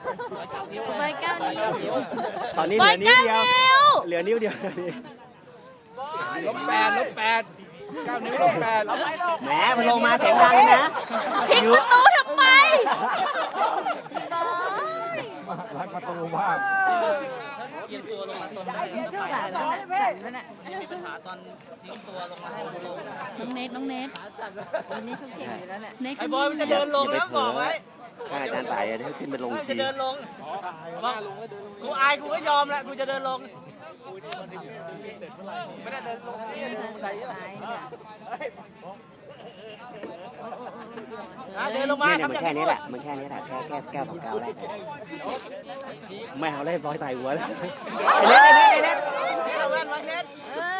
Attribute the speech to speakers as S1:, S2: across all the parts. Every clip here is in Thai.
S1: ใบเก้านิ้ว
S2: ตอนนี้เหลือนิ้วเดียวเหลือนิ้วเดียว
S3: ลบแปด9 นิ้วลบ8
S2: แหมมันลงมาเสียงดังเลยนะ
S1: ผิดประตูทำไมบอย
S3: รักประตูมาก
S4: เอียงตัวลงมาตอนได้
S1: ช่วยหลานแล้วน่ะ
S4: มีปัญหาตอนทิ้งตัวลงมาให้ลง
S1: น้องเนทวันนี้เขาเก่งอยู่แล้วเนี่ยเนท
S4: ไอ้บอยมันจะเดินลงแล้วบอกไว้
S2: ข้าอาจารย์ต่ายจะขึ้นไปลง
S4: มัน
S2: ที
S4: จะเดินลงบอกกูอายกูก็ยอมแล้วกูจะเดินลงไม่ได้เดินลงนี่ลงไหนเดินลงมา
S2: เนี่ยมันแค่นี้แหละมันแค่นี้แหละแค่9 2 9แรกไม่เอาเลยบอยใส่หัวแล้วไอ้เล็ก
S4: เอาแว่นมาเน็ต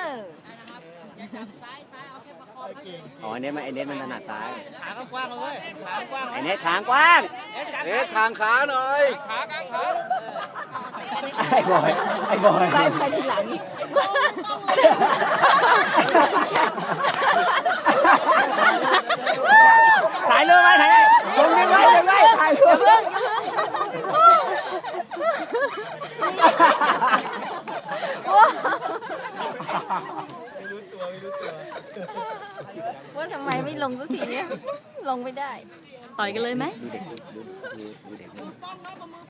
S2: อ๋อไอ้เน็ตมันถนัดซ้าย
S4: ขากว้างเลยขากว้าง
S2: ไอ้เน็ตทางกว้าง
S3: เอ๊ะทางขาหน่อย
S2: ไอ้บอย
S1: ไปทีหลัง
S2: ถ่ายรูปไว้ถ่ายลงยังไงถ่ายรูป
S1: ว่าทำไมไม่ลงสักทีเนี้ยลงไม่ได้ต่อยกันเลยไหม
S2: ดูเด็ก